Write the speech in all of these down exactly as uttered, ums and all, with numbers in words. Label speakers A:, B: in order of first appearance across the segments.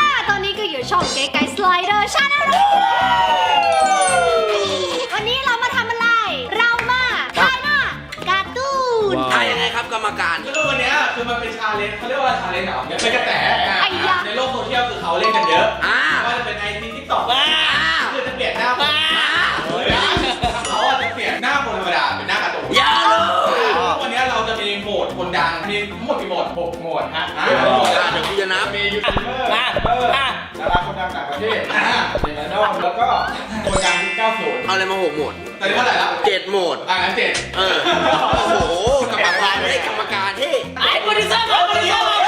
A: ตอนนี้ก็อยู่ช่องเก๋ไก่สไลเดอร์ชาแนลวันนี้เรามาทำอะไรเรามาถ่ายหน้าการ์ตูน
B: ถ่ายยังไงครับกรรมการ
C: คือวันนี้คือมันเป็นชาเลนจ์เขาเรียกว่าชาเลนจ์เหรอเป็นกระแสในโลกโซเชียลคือเขาเล่นกันเยอะว่าจะเป็นไอทีทิกตอกคือจะเปลี่ยนหน้าเขาจะเปลี่ยนหน้าคนธรรมดาเป็นหน้าการ์ตูน
B: อย่าเลย
C: วันนี้เราจะมีโหมดคนดังมีทั้งหมดกี่โหมดหกโหมดฮะ
B: เดี๋ยวกูจะนับ
C: มียูทูบเบอร์ดาราคนดังต่างประเทศเดนนอลแล้วก็คนดังยุคเก้าสิบ
B: เอาอะไรมาหกโหมด
C: ตอนนี้เท่าไหร่แล้ว
B: เจ็ดโหมด
C: อ่างั้นเจ็ด
B: เออโอ้โหกรรมการให้กรรมการที่ไอ้โปรดิวเซอร์มาโปรดิวเซอร์มา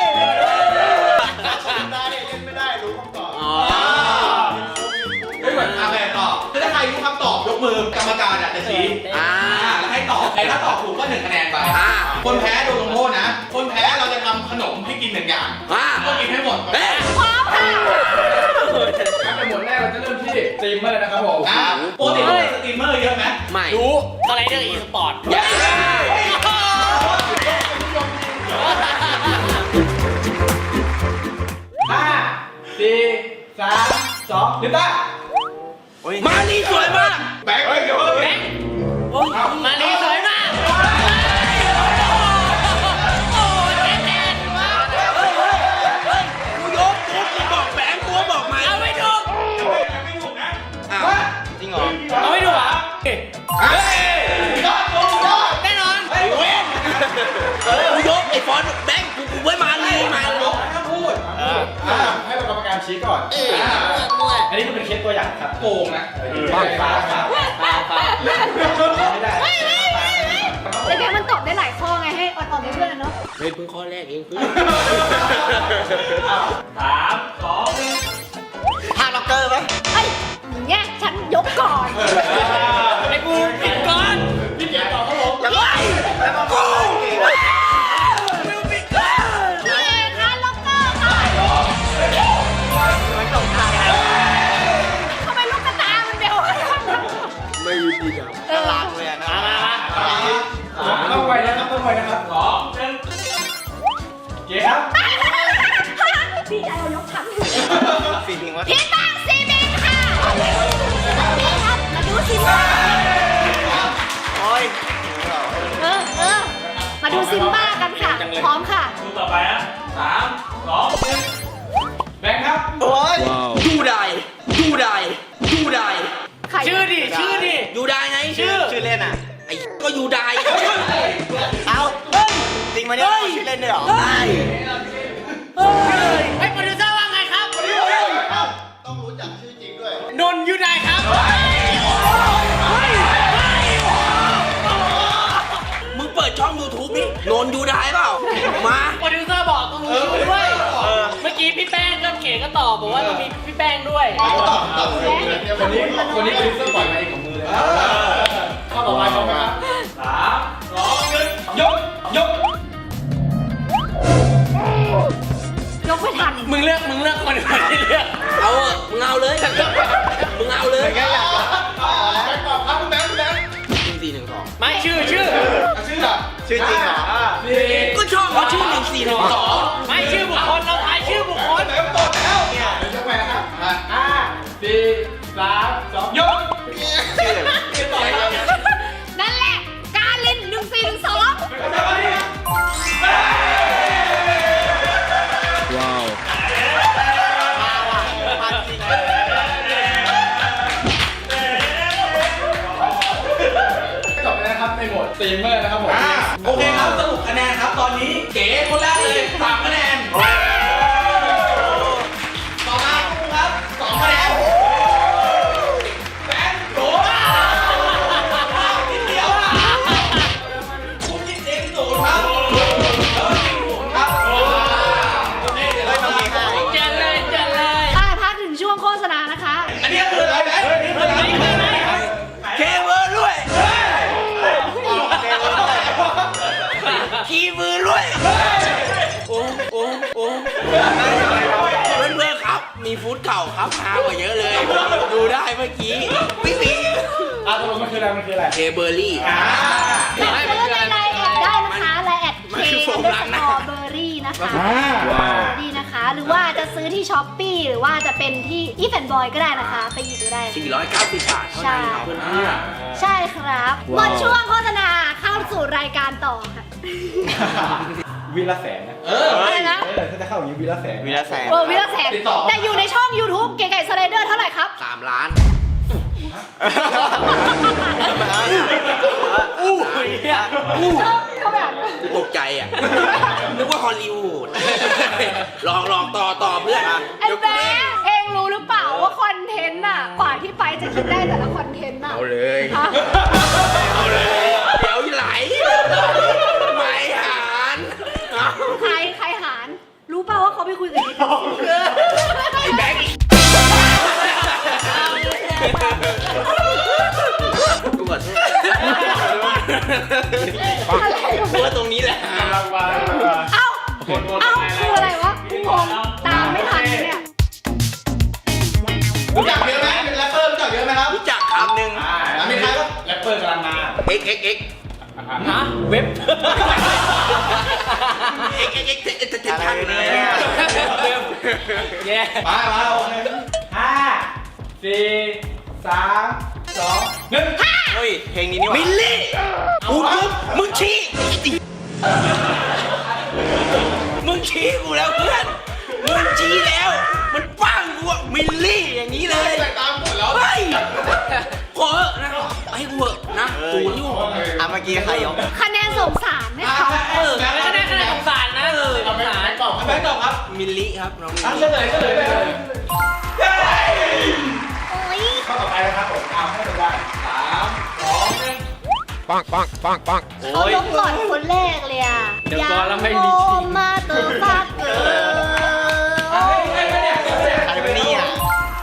C: ไม่ได้รู้คำตอบ
B: อ๋อ
C: ไม่เหมือนอะไรตอบคือถ้าใครรู้คำตอบยกมือกรรมการจะชี้
B: อ่า
C: แล้วให้ตอบใครถ้าตอบถูกก็หนึ่งคะแนนไปคนแพ้โดนลงโทษนะ คนแพ้เราจะทำขนมให้กินหนึ่งอย่าง
B: อ่า
C: ก็กินให้หมด
B: เอ๊ะ
A: พร้อมค่ะ
C: งั้นในหมวดแรกเราจะเริ่มที่สตรีมเมอร์นะครับผมปกติเราเป็นสตรีมเมอร์เยอะไหม
B: ไม่
D: รู้สไลเดอร์อีสปอร์ต
B: อย่า
C: ห้าสี่สามสองลิต้า
B: มานี่สวยมาก
C: แบงค์เดี๋ยวแบงค์
D: มาดีสวยมากโอ้ยแน่นๆวะ
B: กูยกกูบอกแบงค์กูบอกไหม
D: เอาไม่ถูก
C: ไม่ถูกนะ
B: อ้าวจริงเหรอ
D: เอาไม่ถูกเหรอ
C: เฮ้ยยอดยอดยอด
D: แน่นอน
C: เฮ้ยเว้ย
B: กูยกไอ้ฟอนต์แบงค์กูกูไว้มาลีมา
C: ลบถ้าพูดให้กรรมการชี้ก่อน
D: เออมั่ว
C: อันนี้มันเป็นเคสตัวอย่างครับโกงนะฟ้าฟ้าฟ้า
D: ฟ้าฟ้า
C: ไม่ได้
A: แต่เดี๋ยวมันตอบได้หลายข้อไงให้อดตอบได้เพื่อนนะเนาะ
B: เฮ้ยเพิ่งข้อแรกเองเพิ่ง
C: สามสองหนึ่ง
B: พาล็อกเกอร์ไหม
A: เฮ้ยอย่างเงี้ยฉันยกก่อน
D: ไอ้กูผิดก่อน
C: พี่เกียร์ตอบครับผม
B: อย่าไล่กูมิวสิกเกอร์
A: พี่เอกค่ะล็อกเกอร์ค่ะทำไมลูกกระตามันเบล
B: ไม่ยุติธรรม
A: เออ
D: มามามา
C: ต้องไวนะครับต้องไวนะครับสองหนึ่งเกียร์ครับ
A: พี่จะเอายกทั้ง
B: ฟีลิงว่า
A: พี่บ้างซีบินค่ะนี่ครับมาดูซิมบ้า
B: โอ้ย
A: เออเออมาดูซิมบ้ากันค่ะ พร้อมค่ะ
C: ดูต่อไปนะสามสองหนึ่งแบงค์ครับ
B: โอ้ยยูไดยูไดยูได
A: ใคร
D: ชื่อดิชื่อดิ
B: ยูไดไง
D: ชื่อ
B: ชื่อเล่นอ่ะไอ้ก็ยูได
E: เอาจริงมาเนี่ยชื่อเล่นด้วยเหรอ
B: เฮ้ย
D: ไอ้โปรดิวเซอร์ว่าไงครับ
E: ต้องรู้จักชื่อจริงด้วย
D: นนท์ยูไดครับ
B: มึงเปิดช่อง ยูทูบ นี่โนนยูไดเปล่ามา
D: โปรดิวเซอร์บอกต้องรู้ชื่อด้วยเมื่อกี้พี่แป้งก็เก๋ก็ตอบบอกว่าต้องมีพี่แป้งด้วย
C: คนนี้คนนี้คือเสื้อปล่อยมาเองของมือเลยข้อต่อไปพร้อมไหมครับสามสองหนึ่งยกยก
A: ยกไม่ทัน
D: มึงเลือกมึงเลือกคนอื่นที่เลือก
B: เอาเถอะมึงเอาเลยมึงเอาเลย
C: แบงค์ตอบครับคุณแบงค์คุณแบงค์
B: หนึ่งสี่หนึ่งสอง
D: ไม่ชื่อชื่อ
C: ชื่ออะ
E: ชื่อจริงเหรอ
C: สี่
B: ก็ชอบเขาชื่อหนึ่งสี่หนึ่งสอง
D: ไม่ชื่อบุคคลเราทายชื่อบุคคล
C: แบงค์ตอบแล้วเนี่ยเดี๋ยวยกไปนะครับห้าสี่สามสองยก
E: ชื่ออะไร
C: ชื่อต่อครับ
A: นั่นแหละ กาลินหนึ่งสี่หนึ่งสอง
B: ว้าว
E: มาจริง
C: จบไปแล้วครับในโหมดสตรีมเมอร์นะครับผมโอเคครับสรุปคะแนนครับตอนนี้เก๋คนแรกเลยสามคะแนนต่อมาคุณครับสองคะแนนแบงค์โดนนิดเดียวอ่ะคุณคิดเองศูนย์ครับเออจริงศูนย์ครับโอเคเดี๋ยวเราจะมา
D: เจนเลยเจนเลย
A: อ่าพักถึงช่วงโฆษณานะคะ
C: อันนี้คืออะไรแบงค์อันนี้คืออะไร
B: เคเบิร์ด้วย คีย์มือด้วย โอ้โอ้โอ้เพื่อนเพื่อนๆครับ มีฟุตเก่าครับฮากว่าเยอะเลย ดูได้เมื่อกี้ปิ๊งปิ๊ง
C: อ่ะตกลงมันคืออะไรมันคืออะไร
B: เคเบอร์รี่
C: อ่า
A: สั่งซื้อในไลน์แอดได้นะคะไลน์แด
B: มัน
A: เค
B: คือโฟ
A: อัน
B: ม
A: เดอร์
B: ล้าง
A: ส
B: หน้า
A: กอร์เบอร์รี่นะคะ
C: ว้าว
A: ดีนะคะ หรือว่าจะซื้อที่ช้อปปี้หรือว่าจะเป็นที่อีแฟนบอยก็ได้นะคะ ไปหยิบดูได้
B: สี่ร้อยเก้าสิบบาทเท่านั้นครับเพื่อน
A: ใช่ครับหมดช่วงโฆษณาเข้าสู่รายการต่อค่ะ
C: วิละแสนนะ
B: ๆเออ
A: อะไรนะ
C: เออถ้าจะเข้าอย่างนี้วิละแสน
E: วีละแสน
A: โอ้วิลาแสนแต่อยู่ในช่อง YouTube เก๋ไก่สไลเดอร์เท่าไหร่ครับ
B: สามล้าน
E: อู้ย
B: อู้
A: เขาแบบ
B: กูตกใจอ่ะ นึกว่าฮอลลีวูด ลองลองต่อต่อเพื่อนอ่ะ
A: ไอ้แบ๊เองรู้หรือเปล่าว่าคอนเทนต์น่ะกว่าที่ไปจะคิดได้แต่ละคอนเทนต์น่ะ
B: เอาเลย
A: ฮะ
B: เอาเลย เดี๋ยวไหลไม่หานเอา
A: ใครใครหารรู้เปล่าว่าเขาไปคุยกับไอ้
B: ไอ้แบงค์กูขอโทษ
A: อะไร
B: กูว่าตรงนี้แหละ
A: เอ้าเอ้าคืออะไรวะกูงงตามไม่ทันเนี่ย
C: รู้จักเยอะไหมเป็นแรปเปอร์รู้จักเยอะไหมครับ
B: รู้จักครับหนึ่ง
C: อ่าแล้วมีใครก็แรปเปอร์กำลังมา
B: x x x
D: ฮะเว็บ
B: x x x เจ็ดพันเลย
D: แย่
C: มามาโอเคห้าสี่สามสองหนึ่ง
E: เฮ้ย เพลงนี้นี่หว่า
B: มิลลี่กูปุ๊บมึงชี้มึงชี้กูแล้วเพื่อน มึงชี้แล้ว มันป้างกูอะมิลลี่อย่างนี้เลย
C: ไปตามหมดแล้ว
B: เฮ้ยขอเถอะนะให้กูเถอะนะกูอยู่
E: อ่ะเมื่อกี้ใครยก
A: คะแนนสงสารไหมคะ
B: เออ
D: ไม่ได้คะแนนสงสารนะเออสงสาร
C: ตอบแบงค์ตอบครับ
B: มิลลี่ครับน้องมิล
C: อ่ะ
B: ลี่
C: เฉลยเฉลยเลยเย้
A: โอ้ย
C: ข้อต่อไปนะครับผมเอาให้ดูได้สามสองหนึ่ง
A: เขายกก่อนคนแรกเลยอ่ะ
D: เดี๋ยวก่อนแล้วไม่มีจริง
A: มาเตอร์ฟักเกอร์
C: ใครเป็นเนี่ยใครเป็นเนี่ย
E: ใครเป็นนี่อ่ะ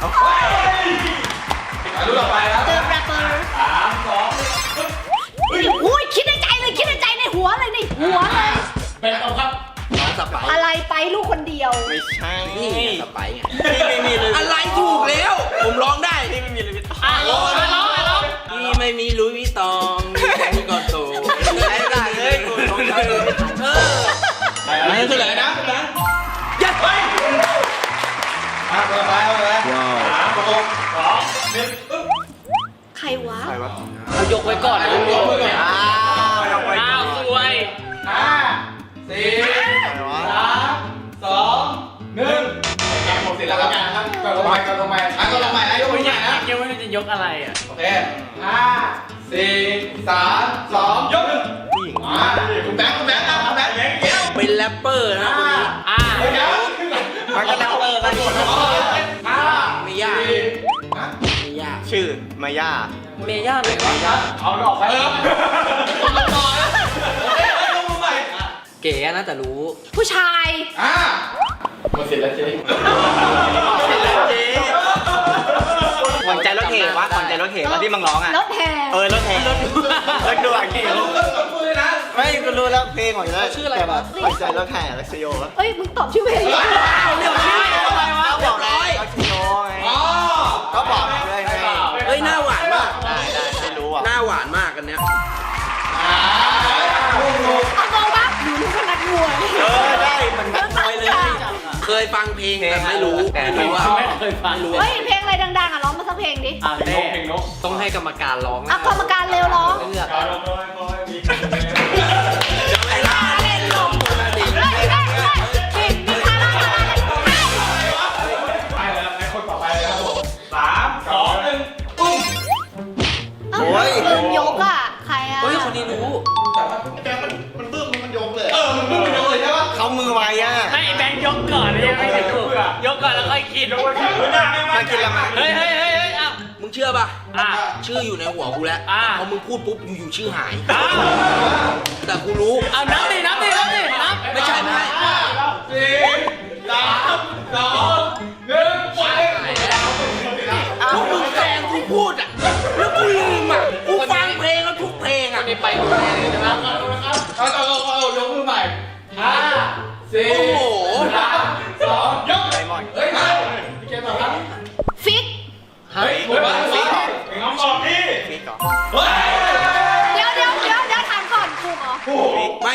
C: รู้ต่อไปครับ
A: เตอร์แรปเปอร์
C: สามสอง
A: อุ้ยคิดในใจเลยคิดในใจในหัวเลยในหัวเลย
C: เป็นตอบครับ
B: น้องสไป
A: อะไรไปลูกคนเดียว
E: ไม่ใช่
B: นี่ไงสไปไง
E: พี่ไม่มีเลย
B: อะไรถูกแล้ว ผมร้องได้
E: พี่ไม่มีเลยพี่
D: อ่ะร้องร้องร้อง
B: พี่ไม่มีลุยวิตองมีแค่นี้ก่อนโต
E: ไอ้ด่าเลยกูร้องได้เลย
B: เออ
C: อะไรเฉลยนะนะ
B: ยัดไป
C: อ่ะต่อไปเอาเลยสามสองสองหนึ่งอึ๊บ
A: ใครวะ
E: ใครวะ
D: เอายกไว้ก่อนนะ
C: ยกมือก่อน
E: อ้าวยังไป
D: อ้าวสวย
C: ห้าสี่
E: ใครวะ
C: สามสองหนึ่งแกหมดสิทธิ์แล้วครับครับก่อนลงไปก่อนลงไปอ่ะก่อนลงไปนะยกมือใหม่นะ
D: ยังไม่รู้จะยกอะไรอ่ะ
C: โอเคห้าสี่สามสองยกหนึ่ง
E: ผู้หญิง
C: มาคุณแบงค์คุณแบงค์ครับคุณแบงค์เกี้ยว
B: เป็นแรปเปอร์นะคนนี้
D: อ่า
C: เดี๋ยว
E: มันก็แล้วเออกัน
C: ห้า
B: ไม่ยาก
C: สี่ฮะ
B: ไม่ยาก
E: ชื่อมาย่า
D: เมย่าไหนวะ
C: เอาออกไปเออต่อนะโอเคลงมือใหม่
D: เก๋นะแต่รู้
A: ผู้ชาย
C: อ่าหมดสิทธิ์แล้วเจ๊
E: เจ๊ขวัญใจรถเหวะขวัญใจรถเหวะที่มึงร้องอ่ะ
A: แล้วแพร
E: เออรถแห่รถรถด่วน
C: ลูกก็ตบมือเลยนะ
E: ไม่กูรู้แล้วเพลงของอยู่แล้วชื่ออะไรวะขวัญใจรถแห่ลักษโยวะ
A: เอ้ยมึงตอบชื่อเพลง
B: เอาเรื่องชื่ออะไรวะ
E: เขาบอก
B: ร้อย
E: ลักษโยไง
C: อ๋อ
E: ก็บอกเลยไง
B: เฮ้ยหน้าหวานมาก
E: ได้ได้ไม่รู้อ่ะ
B: หน้าหวานมากกันเนี้ย
C: อ่าลูกลูก
A: เอามองปะหนูนึกว่านักมวย
E: เออได้เหมือนกันเลยเลย
B: เคยฟังเพลงแต่ไม่รู้ไม่รู้ว่า
D: ไม่เคยฟัง
A: เฮ้ยเพลงอะไรดังๆอ่ะร้องมาสักเพลงดิ
D: อ่า
C: เพลงน
D: เต้
C: กเพลงนก
D: ต้องให้กรรมการร้อง
A: อ่ะกรรมการเร็วร้อง
D: เลือก
C: คอยคอยคอยมี
B: เวลาเล่นลมมาดิ
A: เฮ้ยเฮ้ยเฮ้ยเฮ้ยมีใครร้องอะไรเฮ้ย
C: ไปแล้วให้คนต่อไปเลยครับผมสามสองหนึ่งปุ้ง
A: เอ้าลืมยกอ่ะใครอ่ะ
D: เฮ้ยคนนี้รู้
C: แต่ว่าแกมันมันบึ้มมันยกเลยเออมันบึ้มมันยกเลยใช่ปะ
E: เขามือไวอ่ะ
D: ไม่แบงค์ยกก่อนยังไม่ถึงยกก่อนแล้วค่อยกิน
C: ยกเลยคือหน้าไม่
E: มากินละมั้ง
D: เฮ้ยเฮ้ยเฮ้ยเฮ้ยอ้าว
B: มึงเชื่อป่ะ
D: อ่ะ
B: ชื่ออยู่ในหัวกูแล้ว
D: อ่า
B: พอมึงพูดปุ๊บอยู่ๆชื่อหาย
D: อ้าว
B: แต่กูรู้
D: เอานับดินับดินับดินับ
B: ไม่ใช่ไม่ใช่
C: สี่สามสองหนึ่งไป
B: พวกมึงแซงกูพูดอ่ะ แล้วกูลืมอ่ะ กูฟังเพลงแล้วทุกเพลงอ่ะ
D: ไปดูแลเลยนะ
C: เอาเอาเอาเอายกมือใหม่ห้าสี่
B: โอ้โห
C: สามสองยก
E: ไดมอนด์
C: เฮ้ยมาพี่เกมต่อครับ
A: ฟิก
C: เฮ้ยผมว่าฟิกเป็นคำตอบที่
E: ฟิกก่อน
C: เฮ้ย
A: เดี๋ยวเดี๋ยวเดี๋ยวเดี๋ยวถามก่อนถูกเหรอ
C: โอ้โห
B: ไม่ เดี๋ยวก่อน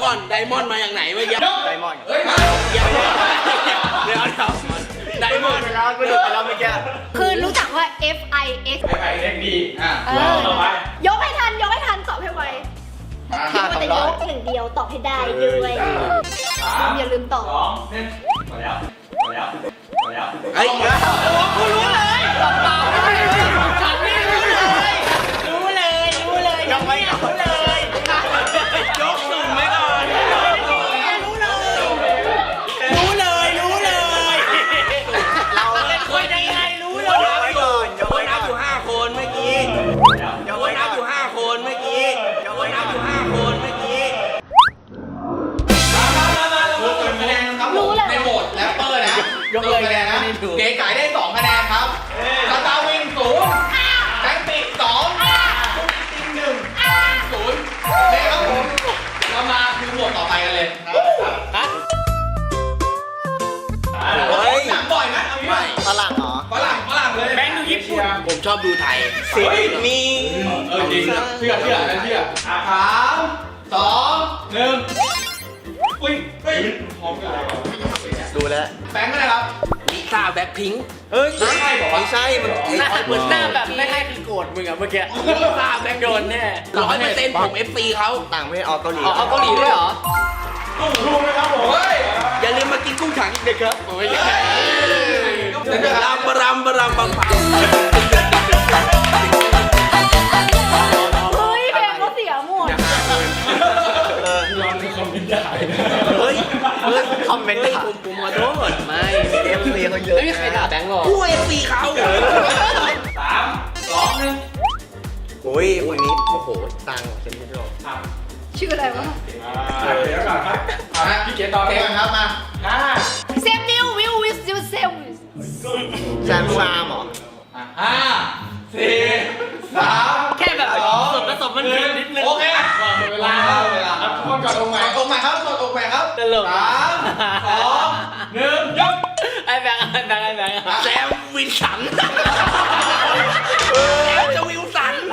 B: ก่อนไดมอนด์มาอย่างไหนเมื่อกี้
E: ไดมอนด์
C: เฮ้ยมา
B: เดี๋ยวเดี๋ยวไดมอนด์
E: ไปแล้วกูดูไปแล้วเมื่อกี้
A: คือรู้จักว่า F I X
C: ไปไปเล็กดีอ่ะ
A: เออยกให้ทันยกให้ทันตอบให้ไวคิดว่าจะยกหนึ่งเดียวตอบให้ได้ด้วยอย่าลืมตอบ
C: สองหนึ่งหมดแล้วหมดแล้วหมดแล้ว
B: เฮ้ย
D: กูรู้เลยตอบเปล่าฉันไม่รู้เลย รู้เลย รู้เลยยังไม่รู้เลย
B: ยกสุ่มไว้ก่อน
D: รู้เลย รู้เลย รู้เลย
E: เรา
D: เป็นคนยังไงรู้เลย
E: ยกไว้ก่อนยก
B: ค
E: ไว้
B: นนั
E: ก่
B: บ
E: อน
B: อยู่ห้าคนเมื่อกี้
E: ยก
B: ค
E: ไว้
B: น
E: ก่
B: นั
E: อบ
B: อยู่
E: น
B: ห้าคนเมื่อกี้คนนับอยู่ห้าคนเมื่อกี้
C: มามามาเราเปิดคะแนนครับผมในโหมดแรปเปอร์นะยกเลยคะแนนนะเก๋ไก่ได้สองคะแนนครับสตาร์วินศูนย์แบงค์ปิดสองติงหนึ่งศูนย์นี่ครับผมเรามาคือโหมดต่อไปกันเลย
D: ฮะ
B: เฮ้ย
C: หนังบ่อยไหมเอางี้ไหม
E: ฝรั่งเหรอ
C: ฝรั่งฝรั่งเลย
D: แบงค์ดูญี่ปุ่น
B: ผมชอบดูไทย
E: สิมี
C: เออจริงเชื่อเชื่อเชื่อสามสองหนึ่งอุ้ยเฮ้ยพร้อมกันเลย
E: ดูแล้ว
C: แบงค์อะไรครับ
B: ลิซ่าแบ็คพิงค์
E: เฮ้ย
C: ใช่บอกว่า
E: ไม่ใช่มัน
D: หน้าเหมือนหน้าแบบไม่ให้คือโกรธมึงอะเมื่อกี้
B: ลิซ่าแบ็ค
D: โดนแน่
B: ร้อยเปอร์เซ็นต์ผมเอฟซีเขา
E: ต่างประเทศออกเกาหลี
D: อ๋อเอาเกาหลีด้วยเหรอ
C: รู้ไหมครับผมเฮ้ย
B: อย่าลืมมากินกุ้งถังอีกเด็กครับโอ้ยรำบรำบรำบังเปา
A: เฮ้ยเพลงเขาเสียหมด
E: เออ
B: เฮ้ยเฮ้ย
E: คอมเมนต์
B: ฮ้ย
E: ด่า
B: ผมผมขอโทษ
D: ไม่
E: เอฟซีเขาเยอะ
D: ไม่มีใครด่าแบงค์หรอก
B: กูเอฟซีเขา
C: สามสองหนึ่ง
E: โอ้ยคนนี้โอ้โหตังค์ฉันไม่ชอบ
A: ชื่ออะไรวะ
C: เดี๋ยวก่อนครับเอาละพี่เก๋ต่อเลยครับมาห้า
A: เซมมิววิววิสยูเซม
E: แซมซามเหรอ
C: ห้าสี่สาม
D: แค่แบบ
C: สอง
D: ส่วนผสมมันผิดนิดนึง
C: โอเคเวลาเวลาครับทุกคนกดองค์ใหม่องค์ใหม่ครับกดองค์ใหม่ครับ
D: ตลก
C: สามสองหนึ่งยก
D: ไอ้แบงค์ไอ้แบงค์ไอ้แบงค์
B: แซมวินสันแซมจะวิลสัน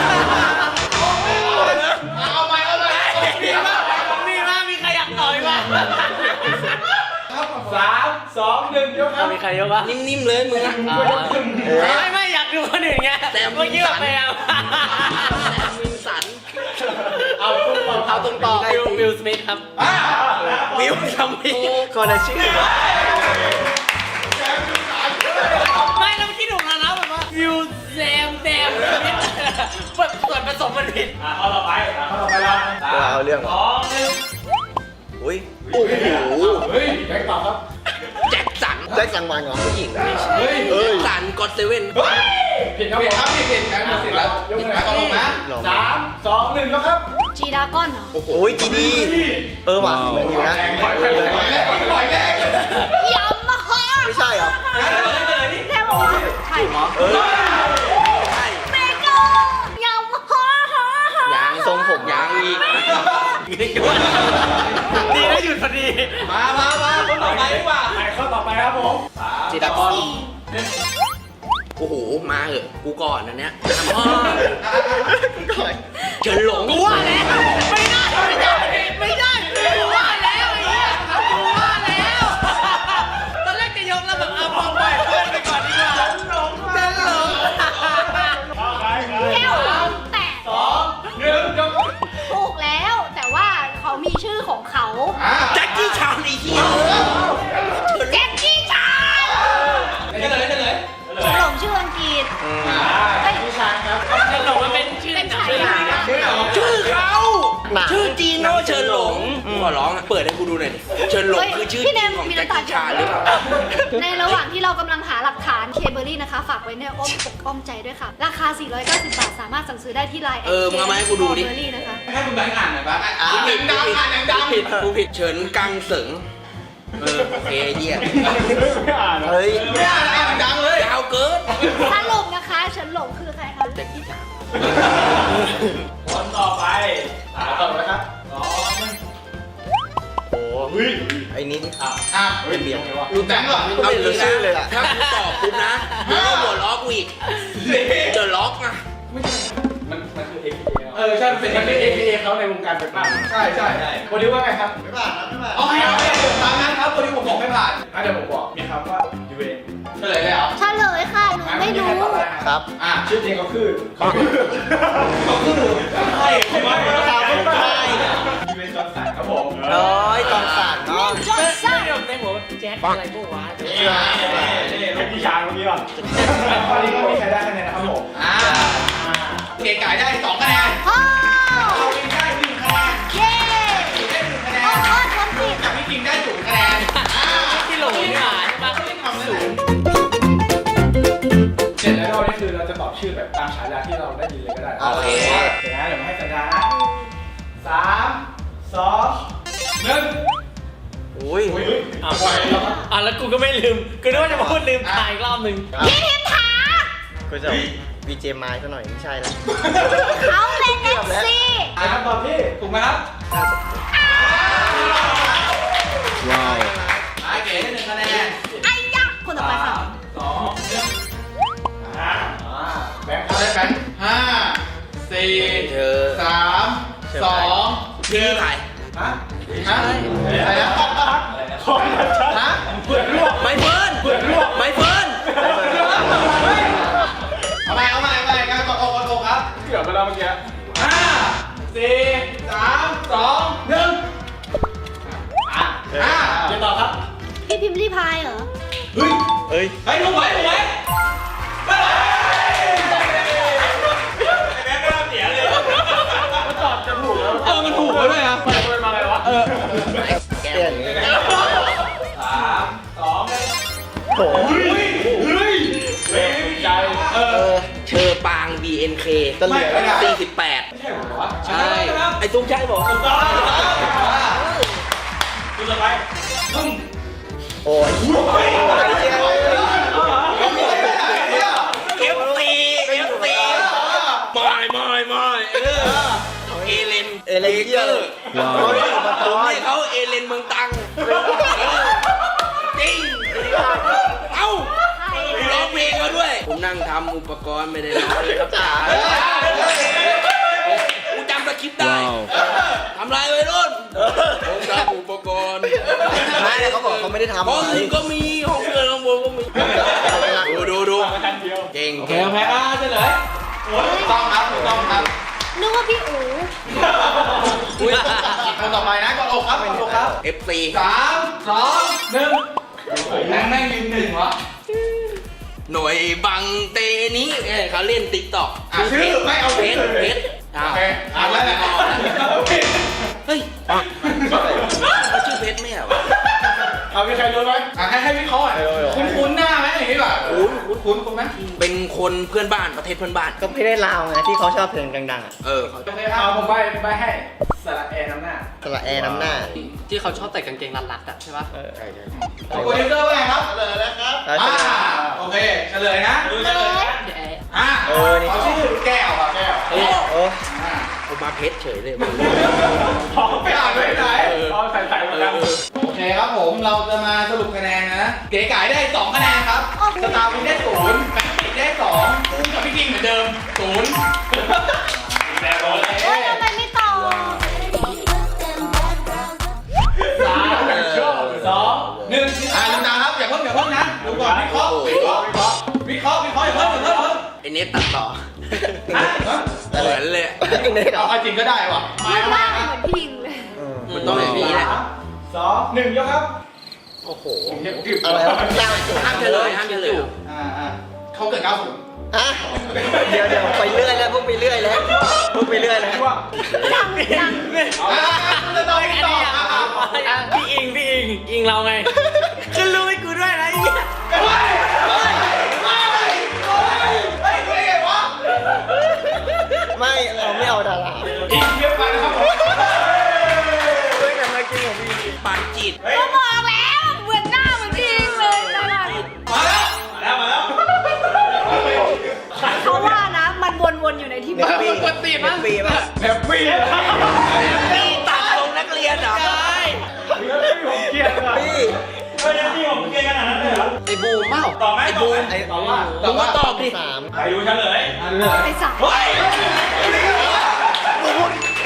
C: เอาใหม่เอาใหม่ดีมาก
D: มีมากมีใครอยากต่อยมั้ย
C: ครับสามสองหนึ่งยกครับ
D: มีใครยกวะ
B: นิ่มๆเลยมึงอะ
D: ไม่ไม่อยากดูคนอื่นไง
B: แต่
D: เมื่อกี้แบบไปเอา
B: แซมวินสัน
C: เอาตุ้ม
D: เอาตรงต่อวิลวิลสมิธครับ
C: อ่า
B: วิลทำไม
E: คนละชื่อเหรอ
D: ไม่แล้วเมื่อกี้ถูกแล้วนะแบบว่าวิวแซมแซมส่วนผสมมันผิด
C: อ่าข้อต่อไปอ่าข้อต่อไปแล้ว
E: เออเอาเรื่อง
C: ส
E: เหรอ
C: องหนึ่ง
E: อุ้ยโอ้โห
C: เฮ้ยแบงค์ตอบครับ
B: แจ็คสัน
E: แจ็คสันวันเหรอผู้หญิง
C: เฮ้ย
E: เอ้ย
B: สันกอดเซเว่น
C: เฮ้ยผิดครับผิดครับผิดผิดแบงค์หมดสิทธิ์แล้วยกมือตรงนะสามสองหนึ่งแล้วครับ
A: จีดาก้อนเหรอ
E: โอ้ยจีดีเออว่ะเหมือนอยู่นะ
C: แรงปล่อยแรงปล่อยแรงปล่อยแรง
A: ยามาฮ่า
E: ไม่ใช่เหรอ
A: แค่บอกว่าใช่
E: เออ
A: เมกายามาฮ่าฮ่าฮ่าย
B: างทรงผมยางอีก
D: ดีนะหยุดพอดี
C: มามามาคนต่อไปดีกว่าข้อต่อไปครับผม
D: จีดากอน
B: โอ้โหมาเหอะกูก่อนอันเนี้ย
E: ก่อน
B: เฉินหลง
D: กูว่าแล้วไม่ได้ไม่ได้ไม่ได้กูว่าแล้วไอ้เหี้ยกูว่าแล้วตอนแรกจะยกแล้วแบบเอาพอปล่อยเพื่อนไปก่อนดีกว่าหลงเดินหลง
A: แค่หวังแต่
C: สองหนึ่งยก
A: ถูกแล้ว แต่ว่าเขามีชื่อของเขา
C: อ่า
B: แจ็คกี้ชานไอ้เหี้ย
A: แจ็คกี้ชาน
C: เฉลยเฉลย
A: ฉลองชื่ออังกฤษ
C: อ่า
A: เอ้ย
C: ผู้ชายครับ
D: เดินหลงมันเป็นชื่อ
A: เป็น
D: หนัง
A: ฉายา
B: ชื่อเขา
E: หนัง
B: ชื่อจีโน่เฉินหลงกูขอร้องอะเปิดให้กูดูหน่อยดิเฉินหลง
A: เฮ้ย
B: คือชื่อ
A: พี่เนม
B: ของ
A: มี
B: แจ็ค
A: น้ำตา
B: กี้ชานหรือเปล่า
A: ในระหว่างที่เรากำลังหาหลักฐานเคเบอรี่นะคะ ฝากไว้ในอ้อมอกอ้อมใจด้วยค่ะ ราคา สี่ร้อยเก้าสิบ บาท สามารถสั่งซื้อได้ที่ไลน์
B: เออมึงเอามาให้กูดูดิ
A: เคเบอรี่นะคะ
C: ให้คุณแบงค์อ่านหน่อยบ้างอ่าน
B: ผิด
C: ดังๆอ่านดังๆ
B: ผิดกูผิดเฉินกังเสิงเออโอเคเยี่ยม
E: เฮ้ย
C: ไม่อ่านอ่านดังๆเลย
B: ยาวเกิน
A: สรุปนะคะเฉินหลงคือใครคะ
B: แจ็คกี้ชาน
C: คนต่อไปตามต่อไปครับสองหนึ่ง
E: โอ้โหไอ้นี่
C: อ่ะอ่ะ
E: เป็นเบียร์
C: ดูแบงค์ก่อน
E: ไม่รู้ชื่อเลยอะ
B: ถ้ากูตอบปุ๊บนะมึงก็หัวล้อกูอีกเดอะล็อกนะ
C: มันมันคือ เอ็กซ์
B: เอ
C: เออใช่มันเป็นมันเป็น เอ พี เอ เขาในวงการเป็นบ้านใช่ใช่ใช่โปรดิวว่าไงครับไม่ผ่านนะไม่ผ่านโอเคโอเคตามนั้นครับโปรดิวผมบอกไม่ผ่านอ่ะเดี๋ยวผมบอกมีคำว่ายูเอเฉลยเลยเหรอ
A: เฉลยค่ะหนูไม่รู้
E: ครับ
C: อ่ะชื่อจริงเขาคือเขาคือเขาคือใช่ใช่ไหมถามไม่ได้ยูเอจอห์นสันครับผม
E: น้อยตอนสั่นเนาะ
A: จอห์นสัน
D: ในหัวแจ็คอะไรพวกวะ
C: นี่นี่นี่พี่ช้างเมื่อกี้ป่ะตอนนี้ก็มีใครได้คะแนนนะครับผมอ่าเก๋ไก่ได้สองคะแนน
A: พ่อ
C: เราเองได้หนึ่งคะแนน
A: เย้
C: พี่ได้หนึ่งคะแน
A: โอ้
C: น
A: โหผมผิด
C: แต่พี่กิงได้ศูนย์คะแนนอ่า
D: ที่หลงนี่หว่าใช่ปะ
C: ทำศูนย์เสร็จแล้วนี่คือเราจะตอบชื่อแบบตามฉายาที่เราได้ยินเลยก็ได้
E: โอเค
C: เดี๋ยวนะเดี๋ยวมาให้สัญญานะสามสองหนึ่ง
E: อุ้ย
C: อุ้ย
D: อ่ะอ่ะแล้วกูก็ไม่ลืมกูนึกว่าจะมาพูดลืมถ่ายอีกรอบหนึ่ง
A: พี่พิมถา
E: กูจะวีเจมายซะหน่อยไม่ใช่แล้ว
A: เขาเป็นเอฟซี
C: อ่าคำตอบที่ถูกไหมครับ
E: ว้าว
C: อ่าเก๋ได้หนึ่งคะแนน
A: ไอ้ยักษ์คนต่อไปค่ะ
C: สองหนึ่งอ่าแบงค์ได้แบงค์ห้าสี่
E: เธอ
C: สามสอง
B: พี่นี่ถ่าย
C: ฮะฮะอะไรนะฮะเปิดลวก
B: ไม่เฟิร์น
C: เปิดลวก
B: ไม่เฟิร์น
C: เอาใหม่เอาใหม่เอาใหม่การกดอกกดอกครับเกือบไปแล้วเมื่อกี้ห้าสี่สามสองหนึ่งอ่ะอ่ะเดี๋ยวต่อครับ
A: พี่พิมพ์รีพายเหรอ
C: เฮ้ย
E: เอ้ย
C: เฮ้ยถูกไหมถูกไหมเฮ้ยแม่ก็เสียเลยมันตอบจะถูกแล้วเออมันถูกแล้วด้วยอ่ะไปไปมาไงวะเออ
E: แก้อย่างนี้
C: สามสองหนึ่ง
E: โอ้
C: เฮ้ยเฮ้ยเฮ้ยใจเอ
E: เอ
C: อ
E: อ
B: เชอปาง บี เอ็น เค
E: จะเหลือ
C: ไม่ได้
B: สี่สิบแปด
C: ไม่ใช่เหรอวะ
B: ใช่ ไอ้ตุ้งใช่บอก
C: ถูกต้องคุณต่อไปตุ้ม
E: โอ้ย
C: เฮ้ย
B: เอฟซีเอฟซีไม่ไม่ไม่เออเอเลน
E: เอเลนเยอร์ว้าว
B: ผมให้เขาเอเลนเมืองตังจริงเอ้ากูร้องเพลงเขาด้วย ผมนั่งทำอุปกรณ์ไม่ได้ร้องเลยครับจ๋ากูจำสคริปต์ได้ทำลายไว้รุ่นผมทำอุปกรณ์
E: ไม่แต่เขาบอกเขาไม่ได้ทำ
B: ห้องอื่นก็มีห้องเพื่อนห้องบนก็มีดูดูดูเก่ง
C: โอเค
B: เก่ง
C: โอเคอ่ะเฉลยถูกต้องครับถูกต้องครับ
A: นึกว่าพี่อู๋
C: อุ้ยคนต่อไปนะกดอกครับกดอกครับ
B: เอฟซี
C: สามสองหนึ่งแม่งแม่งยืนหนึ่งวะ
B: หน่วยบังเตนี้เอ้ยเขาเล่นติ๊กต็อก
C: อ่ะชื่อไม่เอา
B: เพ
C: ชื่
B: ช
C: อ
B: รเพชรอ้า
C: โอ
B: ว
C: เคอ่ะแล้วแหละ
B: เฮ้ยเขาชื่อเพชรไม่เหรอวะ
C: เอามีใครรู้ไหมอ่ะให้ให้วิเคราะห์หน่อยคุ้นคุ้นหน้าไหมอย่างนี้ป่ะคุ้นคุ้นคุ้นคุ้นไหม
B: เป็นคนเพื่อนบ้านประเทศเพื่อนบ้าน
E: ก็ไม่ได้ลาวไงที่เขาชอบเพลงดังๆอ่ะ
B: เออเขา
C: โอเคเอาผมใบผมใบให้สระแอร์น้ำหน้า
E: สระแอร์น้ำหน้า
D: ที่เขาชอบแต่กางเกงรัดๆอ่ะใช่ปะ
E: เออ
C: โปรดิวเซอร์ว่าไงครับเฉลยแล้วครับอ่าโอเคเฉลยนะ
A: เลย
C: อ่าเขาชื่อแก้วอ่ะแก้ว
E: โอ้โอ้
B: ผมมาเพชรเฉยเลย
C: ไปอ่านไปไหนเอาใส่ใส่มาแล้วโอเคครับผมเราจะมาสรุปคะแนนนะเก๋ไก่ได้สองคะแนนครับสตาร์วินได้ศูนย์แบงค์ปิดได้สองกุ้งกับพี่กิ้งเหมือนเดิมศูนย์แต่โดนเลย
A: เฮ้ยทำไมไม่ตอบ
C: สามสองหนึ่งอ่าลืมตาครับอย่าเพิ่งอย่าเพิ่งนะดูก่อนวิเคราะห์วิเคราะห์วิเคราะห์วิเคราะห์วิเคราะห์อย่าเพิ่งอย่าเพิ่ง
B: ไอเน็ตตัดต่อ
C: ฮะ
B: เหมือนเลย
C: เอาจริงก็ได้ว่ะ
A: รูปร่างเหมือนพี่พิมพ์เลย
B: มันต้องอย่างนี้แหละ
C: สองหนึ่งยกครับ
B: โอ้โห
E: อะไรวะเก้าจุด
B: ห้ามเฉลยห้ามเฉลย
C: อ่าอ่าเขาเกิดเก้าศูนย์
E: อ่ะเดี๋ยวเดี๋ยวไปเรื่อยแล้วพวกไปเรื่อยแล้วพวกไปเรื่อยแล้ว
C: ว่า
A: ยังยัง
C: อ่าจะต้องตอบอ่า
D: พี่อิงพี่อิงอิงเราไงขึ้นรู้ให้กูด้วยนะไอ้เหี้ย
C: เฮ้ยเฮ้ยเฮ้ยเฮ้ยเฮ้ยเฮ้ยไงวะ
E: ไม่เราไม่เอาดารา
C: อีกเยอะไปนะครับผม
E: เฮ้ยแต่เมื่อกี้ผมมี
B: ปันจิต
A: ก็บอกแล้วเหมือนหน้าเหมือนพี่พิมพ์เลยตลอด
C: มาแล้วมาแล้วมาแล้ว
A: เขาว่านะมันวนๆอยู่ในที่
E: เน็
A: บ้า
E: ต
A: น
E: ปีเน็ตปีป่ะ
C: แฮปปี้
B: นี่ตัดตรงนักเรียนเหรอ
C: ผมเกลียดอ่ะ
E: พี่
C: เฮ้ยนี่ผมเกลียดขนาดนั้นเลยเหรอ
B: ไอ้บูมเปล่า
C: ตอบไหม
B: ไอ้
C: ตอ
B: บู
C: บไหม
B: ม
E: ไอ้
C: ตอบว่า
B: มึงก็ตอบดิ
E: สาม
C: ใครรู้เฉลย
A: ไอ้สัตว์
C: เฮ้ย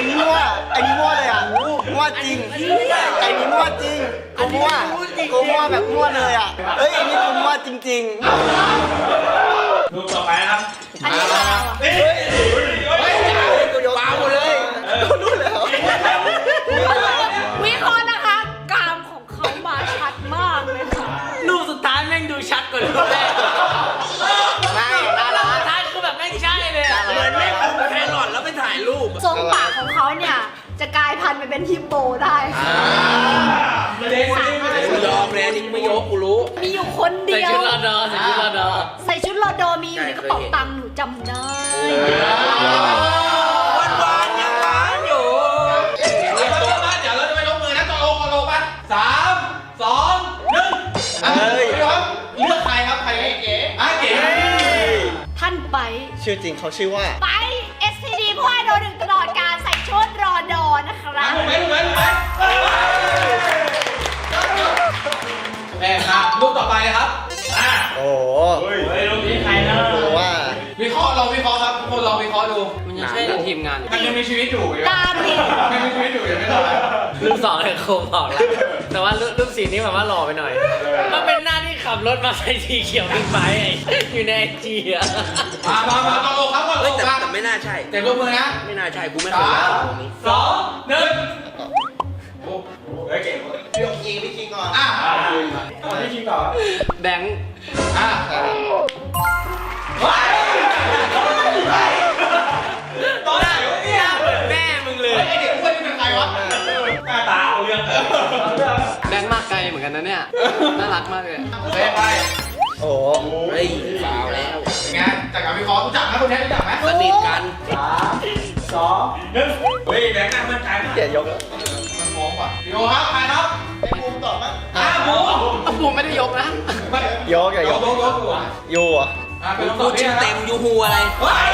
F: นี้มั่วไอ้นี้มั่วเลยอ่ะมั่วจริงไอ้นี้มั่วจริงกูมั่วกูมั่วแบบมั่วเลยอ่ะเอ้ยไอ้นี้กูมั่วจริง
C: รูปต่อไปนะครับ
A: อันนี้เราอะ
C: เฮ้ยเฮ้ย
F: ๆกูยกมาหมดเลยกูรู้แล้ว
A: วิเคราะห์นะคะกรามของเขามาชัดมากเลยค่ะ
D: รูปสุดท้ายแม่งดูชัดกว่ารูปแรก
F: ไม่น่ารั
D: สุ
F: ก
D: ดท้ายคือแบบไม่ใช่เลยอะ
B: เหมือนแม่งเอาแครอทแล้วไปถ่ายรูป
A: ทรงปากของเขาเนี่ยจะกลายพันธุ์ไปเป็นฮิปโปได้ค่ะ
C: เด็กคนนี้ไม่ได้
B: กูยอมเลยนี่ไม่ยกกูรู้
A: มีอยู่คน
D: ใส่
A: เดียว
D: ชุดรอดอใส่ชุดรอดอ
A: ใส่ชุดรอดอมีอยู่ในกระเป๋าตังค์หนูจำได้
B: วันวานๆยังหวานอยู่
C: เดี๋ยวเราจะเดี๋ยวเราจะไปลงมือนะตกลงตกลงป่ะสามสองหนึ่งเฮ้ยครับเลือกใครครับใครเก๋อ่ะเก๋
A: ท่านไป
F: ชื่อจริงเขาชื่อว่า
A: ไป เอส ที ดี ผู้ให้โดนหนึ่งตลอดการใส่ชุดรอดอนะคะ
C: อ่ะถูกไหมถูกไหมถูกไหมแม่ครับรูปต่อไปเลยครับอ่ะ
F: โอ้โห
C: เฮ้ยรูปนี้ใครนะ
F: กูว่า
C: วิเคราะห์ลองวิเคราะห์ครับทุกคนลองวิเคราะห์ดู
D: มันยังใช่ในทีมงานอยู่
C: มันยังมีชีวิตอยู่อยู่
A: ตามผิด
C: มันยังมีชีวิตอยู่ยังไม่ตาย
D: รูปสองเลยโคมบอกแล้วแต่ว่ารูปรูปสีนี้แบบว่าหล่อไปหน่อย มันเป็นหน้าที่ขับรถมาใส่สีเขียวบิ๊กไบค์ไอ้อยู่ในไอจีอะ
C: มามามาตกลงครับตกล
B: เฮ้ย
C: ง
B: แต่
C: มา
B: แต่ไม่น่าใช่
C: เต็มรูปมือนะ
B: ไม่น่าใช่กูไม่เคย
C: สา
B: เล่น
C: ม
B: ตรงนี้
C: สองหนึ่ง
F: พี่คิงพี่คิงก่อน
C: อ่ะพี่คิงต่อ
D: แบงค์
C: อ่ะตอนไหนวะเนี่ย
D: แม่มึงเลย
C: ไอเด็กอ้วนนี่เป็นใครวะหน้าตาเอาเรื่อง
D: แบงค์มากไกลเหมือนกันนะเนี่ย น่ารักมากเลย
C: ไปไป
F: โอ้โห
B: เฮ้ยฟาวแล้ว
C: เป็นไงจากการวิเคราะห์รู้จักไหมคนนี้รู้จักไหม
B: สนิทกัน
C: สามสองหนึ่งเฮ้ยแบงค์น่ามั่นใจมาก
F: เกียรยกแล้ว
C: มันมองป่ะดีโอครับใครครับ
F: ไอ้บูมตอบมั้ง
C: อ่ะหมู
D: ผมไม่ได้ยกนะ
C: ไม่
F: ยกอย่าย
C: ย
F: ก
C: กยกยกอยู่อ่ะ
F: ยูอ่ะ
C: อ่ะเป็น
B: กูชื่อเต็มยูฮูอะไร
C: เฮ้ย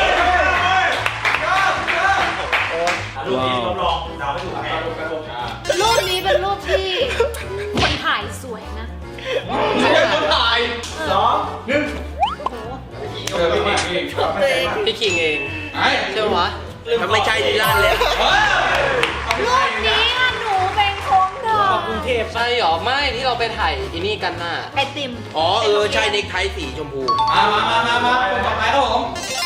F: โอ้ย
C: รูปนี้ทดลองดาวไม่ถูกแพ้รูปกระโดดอ่ะ
A: รูปนี้เป็นรูปที่คนถ่ายสวยนะ
C: ใครเป็นคนถ่ายสองหนึ่ง
A: โอ้โห
C: เออพี่พี่พี่
A: ตัวเอง
D: พี่คิงเอง
C: ไอ้
D: ใช่ปะวะ
B: ถ้าไม่ใช่ดีลั่นเลย
C: เฮ้ย
A: รูปนี้อะหนูเป็นของเธอก
D: รุงเทพใช่หรอ ไม่ที่เราไปถ่ายอีนี่กันน่ะ
A: ไอติม
B: อ๋อเออใช่เน็กไทสีชมพู
C: มามามามามาคนต่อไปครับผม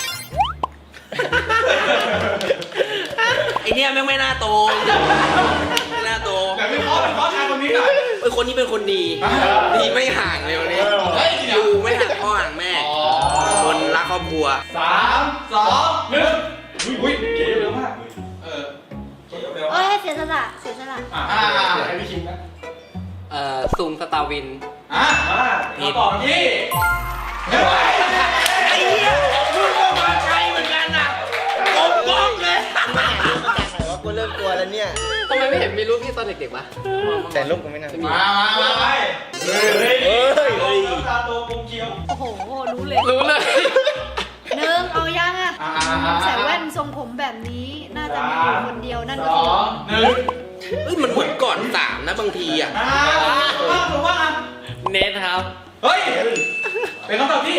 B: ไอเนี้ยแม่งไม่น่าโตไม่น่าโต
C: แต่วิเคราะห์วิเคราะห์ชายคนนี้หน่อย
B: เอ้ยคนนี้เป็นคนดี ดีไม่ห่างเลยวันนี้
C: เฮ้ย
B: อยู่ไม่ห่างพ่อห่างแม่ คนรักครอบครัว
C: สามสองหนึ่งอุ้ยเก๋เร็วมากเออเก๋เร็ว
A: เอ้ยเสียสละเสียสละ
C: อ่าให้พี่คิงนะ
D: เอ่อซูมสตาร์วิน
C: อ่ะมาต่อที่
B: ไอ้เหี้ยมึงก็มาใช่เหมือนกันนะกงกงเลย
F: จากไหนวะกูเริ่มกลัวแล้วเนี่ย
D: ทำไมไม่เห็นมีรูปพี่ตอนเด็กๆวะ
F: แต่ลูกกูไม่น่า
C: มามามาไปเฮ้ย
F: เฮ้ย
C: เฮ้ยตาโตกลมเคี้ยว
A: โอ้โห รู้เลย
D: รู้เลย
A: หนึ่งเอายังอะ
C: อ่า
A: ใส่แว่นทรงผมแบบนี้ น่าจะมีอยู่คนเดียวนั่น
C: ส
A: ก็
C: อ
A: คือง
C: หนึ่ง
B: เฮ้ยมันเหมือนก่อนสามนะบางทีอ่ะ
C: อ่าถูกว่าถูกว่า
D: เนทครับ
C: เฮ้ยเป็นคำตอบที่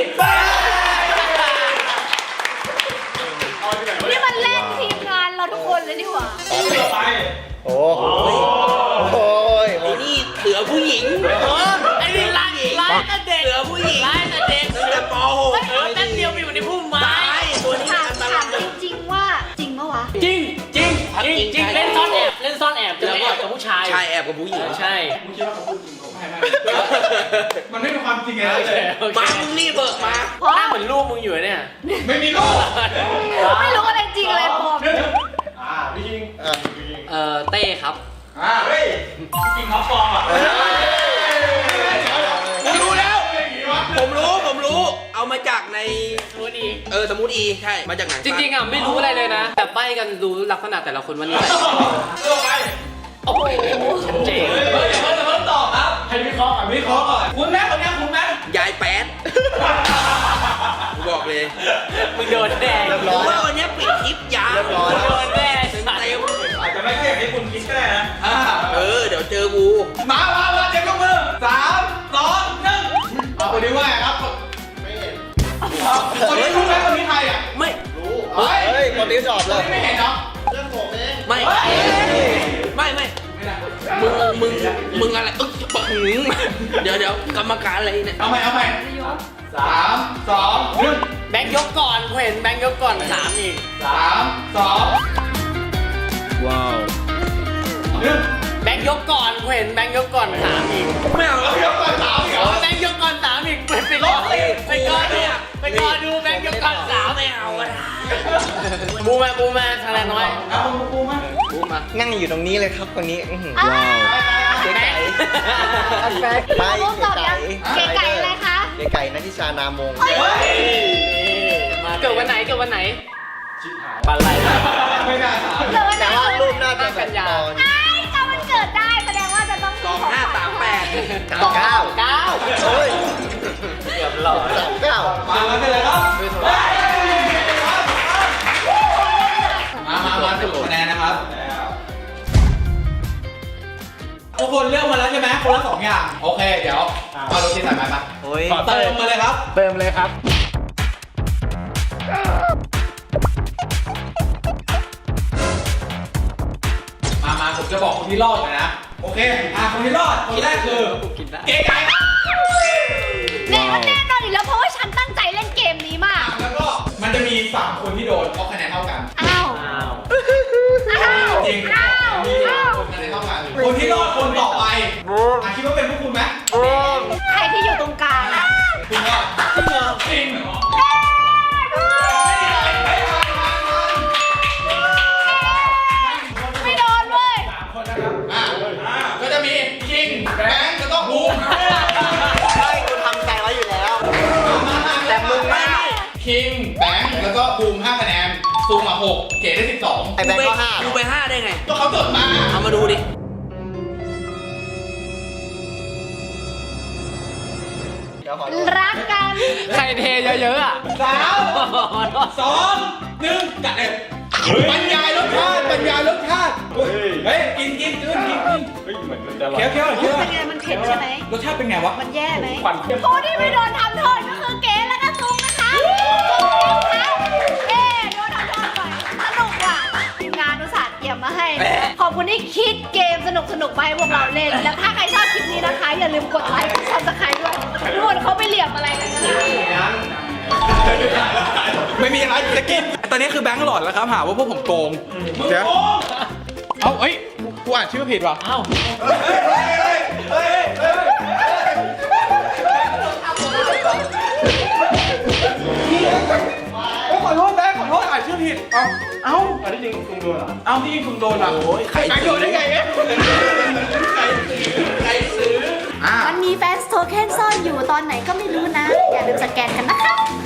A: นี่มันเล่นทีมงานเราทุกคนเลยนี่หว่า
C: ต่อไป
F: โอ้โหโอ้ย
B: ไอ้นี่เหลือผู้หญิง
D: ไอ้นี่ไล่ไล่แต่เด็ก
B: เหลือผู้หญิง
D: ไล่แต่เด็ก
B: ตั้งแต่ป .หก
D: เออแป๊บเดียวไปอยู่ในพุ่มไม้
B: ตายตัวนี้
A: ถาม
B: อันต
A: ถาร
B: าม ย
A: จริงๆว่าจริงปะวะ
D: จริงจริงจริงจริงเล่นซ่อนแอบเล่นซ่อนแอบจะไม่แอบกับผู้ชาย
B: ชายแอบกับผู้หญิง
D: ใช่
C: มึงคิดว่าเขาพูดจริงเขาไม่ไม่มันไม่เป็นความจริงไง
D: โอเคโอเค
B: มามึงรีบเบิกมา
A: เพราะ
D: หน้าเหมือนลูกมึงอยู่เนี่ย
C: ไม่มีลูก
A: ไม่รู้อะไรจริงอะไรปลอม
C: อ่าพี่คิง
F: อ่ะ
D: เอ่อเต้ครับ
C: อ่าเฮ้ยจริงเขาฟองอ่ะ
B: ผมรู้แล้ว ผมรู้ผมรู้ เอามาจากใน
D: รู้ดี
B: เออสมุดอีใช่ มาจากหนัง
D: จริงๆอ่ะไม่รู้อะไรเลยนะ แต่ใบ้กันรู้ลักษณะแต่ละคนวันนี้
C: เลือกไป
D: โอ้โหชัดเจน
C: เฮ้ยเดี๋ยวเพิ่งเดี๋ยวเพิ่งตอบครับให้วิเคราะห์ก่อนวิเคราะห์ก่อนคุณแม่คนนี้คุณแม่
B: ยายแป๊ดกูบอกเลย
D: มึงโดนแดง
F: เรียบ
B: ผ
F: ร้อ
B: ม
F: ย
B: ว่าวันนี้ปิดคลิปยาว
F: เรียบร้อย
D: โดนแดง
B: เต็มเต็ม
C: อาจจะไม่ใช่อย่างที่คุณคิดก็ได้นะอ่า
B: เออ เดี๋ยวเจอกู
C: มามามาเดี๋ยวยกมือสามสองหนึ่งเอาคนนี้ว่าไงครับคนนี้รู้ไหมคนนี้ใครอ่ะ
B: ไม่
F: เฮ้ยคนนี้ตอบ
C: ค
F: เล
C: น
F: ย
C: นี้ไม่เห็นเนาะ
B: ไม่ไม่ไม่มึงมึงมึงอะไรอึ๊กปะหึงเดี๋ยวเดี๋ยวกรรมการอะไรเนี่ย
C: เอาใหม่เอาใหม่สามสองหนึ่ง
D: แบงค์ยกก่อนกูเห็นแบงค์ยกก่อนสามอีก
C: สามสองว้าวหนึ่ง
D: แบงค์ยกก่อนกูเห็นแบงค์ยกก่อนสามอีก
B: ไม่เอา
C: เอายกก่อนสามเหรอ
D: แบงค์ยกก่อนสามอีกไปไปรอไปรอดูไปรอดูแบงค์ยกก่อนสาม
B: ไม่เอาอะ
D: บูมาบูมาทนายน้อย
C: เอาปูมา
B: พูดมา
F: นั่งอยู่ตรงนี้เลยครับตรงนี้อื้อหือ
A: อ้าว
F: เก๋ไก่ไม่
A: พวกตอบ
F: เก๋
A: ยัง
F: ไก่
A: เก๋ไก่อะไรคะ
F: เก๋ไก่นัทธิชานามง
D: มาเกิดวันไหนเกิดวันไหนบันไล
C: ไม่น่าถาม
A: เกิดวันไหน
F: แต่ว่ารูปน่าจะแบบตอน
A: ไอ้จำวันเกิดได้แสดงว่าจะต้อง
B: สองห้าสามแปด
F: เก้า
D: เก้า
F: โอ้ย
D: เกือบหล่อ
F: สามเก้า
C: มามากันเลยครับมามามาสรุปคะแนนนะครับทุกคนเลือกมาแล้วใช่ไหมคนละสองอย่างโอเคเดี๋ยวมาดูที่สายไม้ปะ
F: โอ้ย
C: เติมมาเลยครับ
E: เติมเลยครับ
C: มามาผมจะบอกคนที่รอดเลยนะโอเคอ่ะคนที่รอดคนแรกคือเก๋ไก่
A: แน่แน่นอนอีกแล้วเพราะว่าฉันตั้งใจเล่นเกมนี้มาก
C: แล้วก็มันจะมีสามคนที่โดนเพราะคะแนนเท่ากัน
A: อ้าว
D: อ้าว
A: อ้าว
C: จริง
A: อ้าว
C: มีสา
A: อ้าม ว
C: คนคะแนนเท่ากันคนที่รอดคนต่อไปอ่ะคิดว่าเป็นพวกคุณไหม
A: ใครที่อยู่ตรงกลางอะ
C: คุณรอดจริงเหรอจริงเหรอ
A: ไม่โดนเว้ย
C: อ่ะก็จะมีคิงแบงค์แล้วก็บูม
F: ใช่กูทำใจไว้อยู่แล้ว แต่มึงไม่
C: คิงแบงค์แล้วก็บูมห้าคะแนนซูมมาหกเก๋ได้สิบสอง
F: ไอ้แบงค์ก็ห้า
B: ดูไปห้าได้ไง
C: ก็เขาจดมา
B: เอามาดูดิ
F: เดี๋ยวขอดู
A: รักกัน
D: ใครเทเยอะๆอ่ะ
C: สามสองหนึ่งกัดเลยบรรยายรสชาติบรรยายรสชาติเฮ้ยกินกินกินกินกินเคี้ยวเคี้ยวเคี้ยว
A: เป็นไงมันเผ็ดใช่ไหม
C: รสชาติเป็นไงวะ
A: มันแย่ไหมผู้ที่ไม่โดนทำโทษก็คือเก๋และก็ซุงนะคะซุงนะคะเอ๊โดนทำโทษบ่อยสนุกว่ะทีมงานอุตส่าห์เตรียมมาให้ ขอบคุณที่คิดเกมสนุกสนุกๆมาให้พวกเราเล่น แล้วถ้าใครชอบคลิปนี้นะคะ อย่าลืมกดไลค์กดซับสไครต์ด้วยทุกคนเขาไปเหลี่ยมอะไรกันนะ
C: ไม่มีอะไรจะกินตอนนี้คือแบงค์หลอดแล้วครับหาว่าพวกผมโกงเดี๋ยวเอาเอ้ยกูอ่านชื่อผิดว่ะ
D: เอ้า
C: ขอโทษแบงค์ขอโทษอ่านชื่อผิดเอาเอาอันที่จริงคุณโดนเหรอเอาที่จริงคุณโดนอ่ะโอ้ยใครโดนได้ไงเนี่ยใครใครซื้ออ่ะ
A: มันมีแฟนโทเค็นซ่อนอยู่ตอนไหนก็ไม่รู้นะ อย่าลืมสแกนกันนะคะ